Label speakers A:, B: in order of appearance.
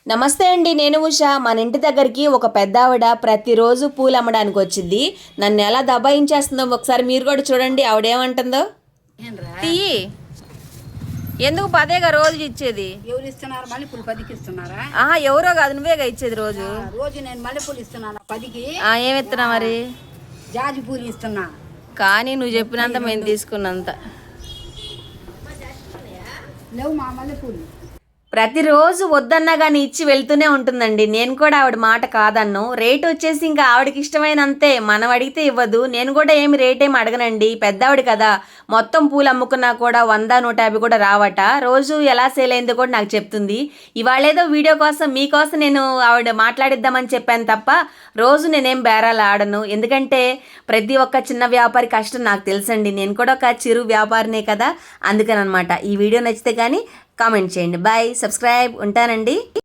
A: నమస్తే అండి, నేను ఉషా. మన ఇంటి దగ్గరికి ఒక పెద్ద ఆవిడ ప్రతిరోజు పూలు అమ్మడానికి వచ్చింది. నన్ను ఎలా దబాయించేస్తుందో ఒకసారి మీరు కూడా చూడండి. ఆవిడేమంటుందో. తీయి. ఎందుకు పదేగా రోజు ఇచ్చేది?
B: ఎవరు ఇస్తున్నారు? మల్లెపూలు 10కి ఇస్తున్నారా?
A: ఎవరో కాదు, నువ్వేగా ఇచ్చేది రోజు.
B: రోజు నేను మల్లెపూలు ఇస్తున్నాను 10కి.
A: ఏమి ఇస్తున్నా మరి?
B: జాజి పూలు ఇస్తున్నా.
A: కానీ నువ్వు చెప్పినంత మేము తీసుకున్నంత
B: లేవు మా మల్లెపూలు.
A: ప్రతిరోజు వద్దన్నా కానీ ఇచ్చి వెళ్తూనే ఉంటుందండి. నేను కూడా ఆవిడ మాట కాదన్ను. రేట్ వచ్చేసి ఇంకా ఆవిడకి ఇష్టమైనంతే, మనం అడిగితే ఇవ్వదు. నేను కూడా ఏమి రేట్ ఏమి అడగనండి, పెద్దవాడి కదా. మొత్తం పూలు అమ్ముకున్నా కూడా 100, 150 కూడా రావట. రోజు ఎలా సేల్ అయిందో కూడా నాకు చెప్తుంది. ఇవాళేదో వీడియో కోసం మీకోసం నేను ఆవిడ మాట్లాడిద్దామని చెప్పాను తప్ప రోజు నేనేం బేరాలు ఆడను. ఎందుకంటే ప్రతి ఒక్క చిన్న వ్యాపారి కష్టం నాకు తెలుసండి. నేను కూడా ఒక చిరు వ్యాపారినే కదా, అందుకనమాట. ఈ వీడియో నచ్చితే కానీ కామెంట్ చేయండి. Bye, subscribe. ఉంటానండి.